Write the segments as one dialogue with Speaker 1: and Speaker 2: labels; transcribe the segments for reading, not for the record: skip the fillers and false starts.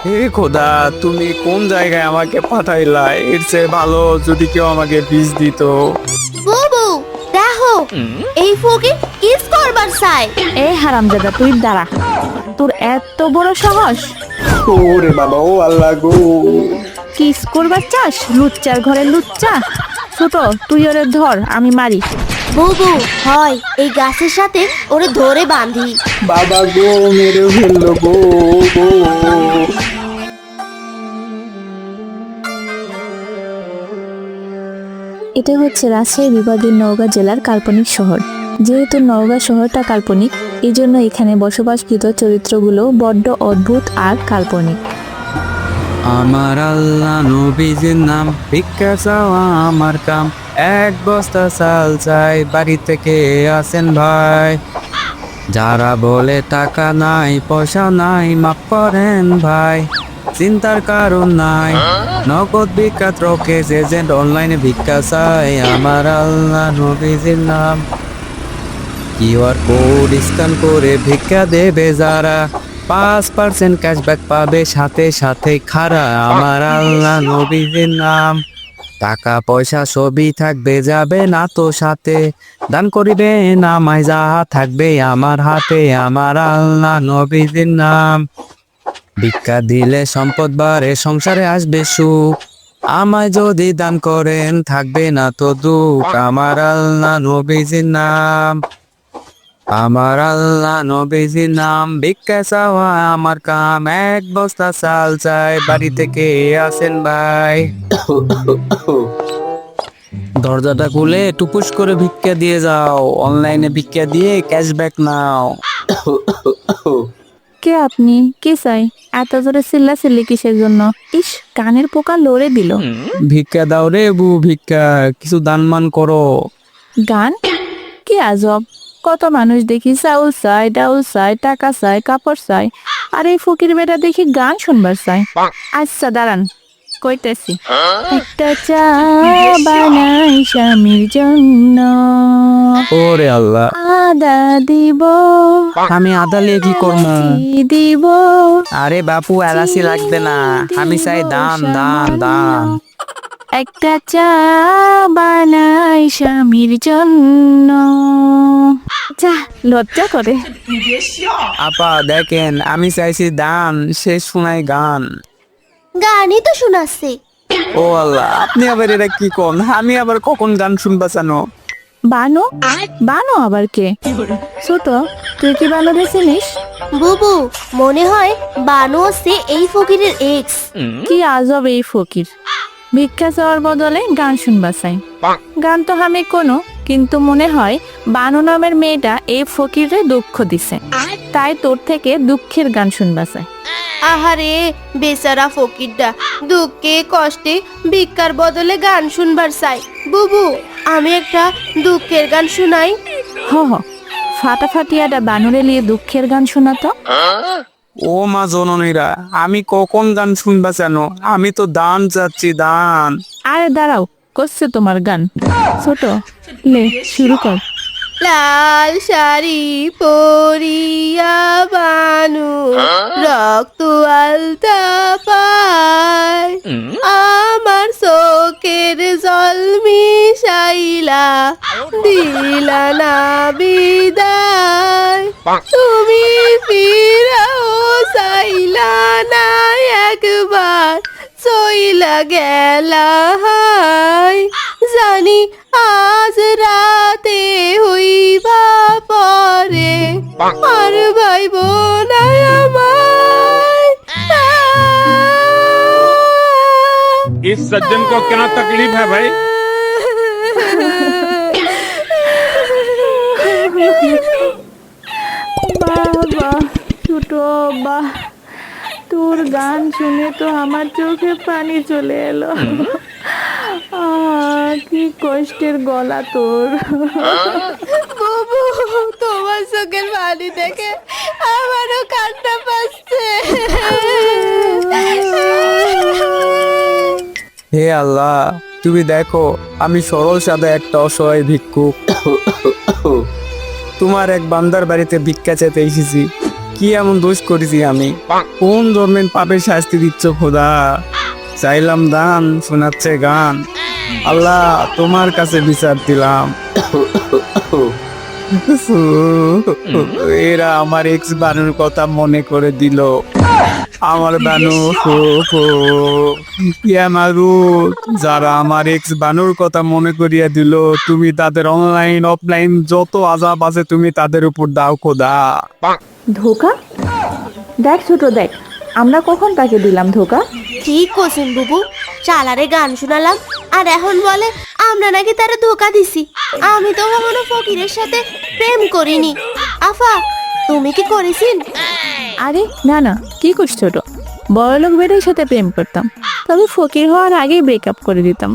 Speaker 1: হে খোদা, তুমি কোন জায়গায় আমাকে পাঠাইলা? এর চেয়ে ভালো যদি কেউ আমাকে বীজ দিত।
Speaker 2: বুবু দেখো, এই ফকির কিস করবার চাই।
Speaker 3: এই হারামজাদা তুই দাঁড়া, তোর এত বড় সাহস!
Speaker 1: ওরে বাবা, ও আল্লাহ গো!
Speaker 3: কিস করবার চাস? লুচ্চার ঘরে লুচ্চা। ছোট, তুই ওরে ধর, আমি মারি।
Speaker 2: বুবু হয় এই গাছের সাথে ওরে ধরে বাঁধি।
Speaker 1: বাবা গো, মেরে ফেললো গো গো!
Speaker 3: এটা হচ্ছে রাজশাহী বিভাগের নওগাঁ জেলার কাল্পনিক শহর। যেহেতু নওগাঁ শহরটা কাল্পনিক, এই জন্য এখানে বসবাসকৃত চরিত্রগুলো বড্ড অদ্ভুত আর কাল্পনিক।
Speaker 1: আমার আল্লাহ নবীজির নাম, ভিক্ষা চাওয়া আমার কাম। এক বস্তা চাল চাই, বাড়ি থেকে আসেন ভাই। যারা বলে টাকা নাই পয়সা নাই, মাফ করেন ভাই। চিন্তার কারণ নাই, নগদ বিখ্যাত রকেশ এজেন্ট অনলাইনে ভিক্ষা চাই। আমার আল্লাহ নবীজির নাম। কিউআর কোড স্ক্যান করে ভিক্ষা দেবে যারা, 5% ক্যাশব্যাক পাবে সাথে সাথে খাড়া। আমার আল্লাহ নবীজির নাম। টাকা পয়সা সবই থাকবে, যাবে না তো সাথে। দান করিবে নামাই যাহা থাকবে আমার হাতে। আমার আল্লাহ নবীজির নাম। ভিক্ষা দিলে সম্পদ বাড়ে, সংসারে আসবে সুখ। আমায় যদি দান করেন থাকবে না তো দুঃখ। আমার আল্লাহ নবীজির নাম। আমার আল্লাহ নবীজির নাম। ভিক্ষা চাওয়া আমার কাম, এক বস্তা চাল চাই, বাড়ি থেকে আসেন ভাই। দরজাটা খুলে টুপুস করে ভিক্ষা দিয়ে যাও, অনলাইনে ভিক্ষা দিয়ে ক্যাশব্যাক নাও।
Speaker 3: কে আপনি? কে চাই? এত জোরে চিল্লাচিল্লি কিসের জন্য? ইস, কানের পোকা লড়ে দিল।
Speaker 1: ভিক্ষা দাও রে বু, ভিক্ষা, কিছু দানমান করো।
Speaker 3: গান? কি আজব! কত মানুষ দেখি চাউল চাই, ডাউল চাই, টাকা চাই, কাপড় চাই, আর এই ফকির বেটা দেখি গান শুনবার চাই। আচ্ছা দাঁড়ান, কইতেছি। একটা চা বানাই স্বামীর জন্য,
Speaker 1: ওরে আল্লাহ,
Speaker 3: আদা দিব,
Speaker 1: আমি আদালে কি করবো?
Speaker 3: এলাচি দিব।
Speaker 1: আরে বাপু, এলাচি লাগবে না, আমি চাই দান দান দান।
Speaker 3: একটা চা বানাই স্বামীর জন্য। যা, লজ্জা করে।
Speaker 1: আপা দেখেন, আমি চাইছি দান, সে শোনাই গান।
Speaker 2: গানই তো শোনাচ্ছে।
Speaker 1: ও আল্লাহ, আপনি আবার এটা কি কোন? আমি আবার কখন গান শুনবা জানো?
Speaker 3: বানো? বানো আবার কে? ছোট, তুই কি বানোরে চিনিস?
Speaker 2: বুবু মনে হয় বানু হচ্ছে এই ফকিরের এক্স।
Speaker 3: কি আজব এই ফকির! ভিক্ষা চাওয়ার বদলে গান শুনবা চাই। গান তো আমি কোনো, কিন্তু মনে হয় বানু নামের মেয়েটা এই ফকিরে দুঃখ দিছে, তাই তোর থেকে দুঃখের গান শুনবা চাই।
Speaker 2: আহারে বেচারা ফকিরটা দুঃখে কষ্টে ভিক্ষার বদলে গান শুনবার চাই। বুবু আমি একটা দুঃখের গান শুনাই।
Speaker 3: হ হ, ফাটাফাটিয়াটা বানরে নিয়ে দুঃখের গান শোনাতো।
Speaker 1: ও মা জননীরা, আমি কখন গান শুনবা জানো? আমি তো দান চাচ্ছি, দান।
Speaker 3: আরে দাঁড়াও, করছে তোমার গান। ছোট, লে শুরু কর।
Speaker 2: লাল শাড়ি পরিয়া বানু রক্ত আলতা পায়, আমার চোখের জল মিশাইলা দিলা না বিদায়। তুমি ফিরাও চাইলা না একবার, চইলা গেলা হায়। জানি আজ রাতে হইবা পরে, আর ভাইব না আমায়।
Speaker 4: इस सज्जन को क्या तकलीफ है भाई?
Speaker 3: বাবা ছোট, বাহ, তোর গান শুনে তো আমার চোখে পানি চলে এলো। কি কষ্টের গলা তোর!
Speaker 2: বুবু তোমার চোখের পানি দেখে আমারও কান্না পাচ্ছে।
Speaker 1: হে আল্লাহ, তুমি দেখো আমি সরল সাদা একটা অসহায় ভিক্ষুক। তোমার এক বান্দার বাড়িতে ভিক্ষা চেতে এসেছি। কি এমন দোষ করেছি আমি? কোন ধর্মের পাপের শাস্তি দিচ্ছ খোদা? চাইলাম দান, শোনাচ্ছে গান। আল্লাহ, তোমার কাছে বিচার দিলাম। এরা আমার এক্স বানুর কথা মনে করে দিল। আমার বানু যারা আমার এক্স বানুর কথা মনে করিয়া দিল, তুমি তাদের অনলাইন অফলাইন যত আযাব আছে তুমি তাদের উপর দাও খোদা।
Speaker 3: ধোকা? দেখ ছোট দেখ, আমরা কখন তাকে দিলাম ধোকা?
Speaker 2: ঠিক কোসেন বুবু, চালারে গান শোনালাম আর এখন বলে আমরা নাকি তারা ধোকা দিছি। আমি তো কখনো ফকিরের সাথে প্রেম করিনি। আফা, তুমি কি করেছিন?
Speaker 3: আরে না না, কি করছ ছোট? বড়লোক বেটার সাথে প্রেম করতাম, তবে ফকির হওয়ার আগেই ব্রেকআপ করে দিতাম।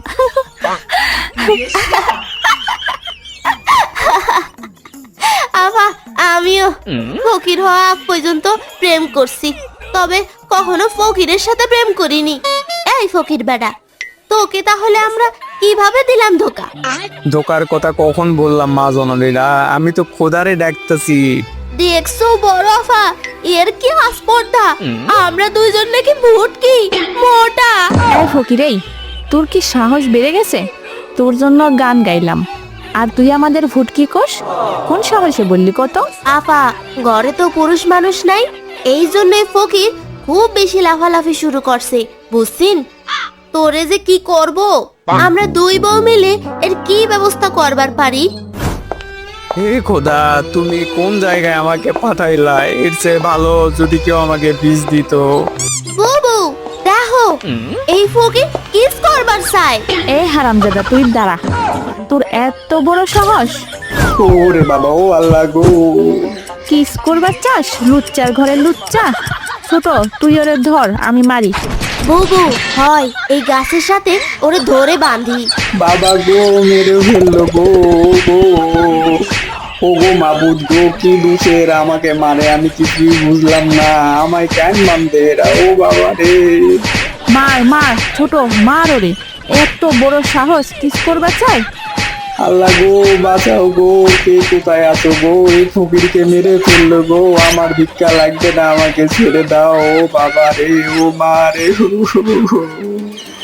Speaker 2: আফা, আমিও ফকির হওয়া আগ পর্যন্ত প্রেম করছি, তবে কখনো ফকিরের সাথে প্রেম করিনি। এই ফকির বেটা, তোকে তাহলে আমরা কিভাবে দিলাম ধোকা?
Speaker 1: ধোকার কথা কখন বললাম মা জননীরা? আমি তো খোদারে ডাকতেছি।
Speaker 2: দেখছো বড় আফা, এর কি আস্পর্ধা! আমরা দুইজন নাকি ভুটকি মোটা।
Speaker 3: এই ফকির, এই তোর কি সাহস বেড়ে গেছে? তোর জন্য গান গাইলাম আর তুই আমাদের ফুটকি কোষ? কোন সাহসে বললি কত?
Speaker 2: আফা, ঘরে তো পুরুষ মানুষ নাই, এই জন্যই ফকির খুব বেশি লাফালাফি শুরু করছে, বুঝছিন? তোরে যে কি করব, আমরা দুই বউ মিলে এর কি ব্যবস্থা করবার পারি?
Speaker 1: হে খোদা, তুমি কোন জায়গায় আমাকে পাঠাইলা? এর চেয়ে ভালো যদি কেউ আমাকে বীজ দিত।
Speaker 2: বুবু দেখো, এই ফকির কিস করবার চাই।
Speaker 3: এই হারামজাদা, তুই দাঁড়া। তোর এত বড় সাহস!
Speaker 1: ওরে বাবা, ও আল্লাহ গো!
Speaker 3: কিস করবার চাস? লুচ্চার ঘরে লুচ্চা। ছোট, তুই ওরে ধর, আমি মারি।
Speaker 2: বুবু হয় এই গাছের সাথে ওরে ধরে বাঁধি।
Speaker 1: বাবা গো, মেরে ফেললো গো গো! ও গো মাবুদ গো, কি দোষের আমাকে মারে? আমি কিছুই বুঝলাম না, আমায় কেন মানবে এরা? ও বাবা রে!
Speaker 3: মার মার ছোট, মার ওরে। এত বড় সাহস কিস করবার চাই?
Speaker 1: আল্লাহ গো, বাঁচাও গো! কে কোথায় আছো গো? এই ফকিরকে মেরে ফেললো গো! আমার ভিক্ষা লাগবে না, আমাকে ছেড়ে দাও। ও বাবা রে, ও মা রে!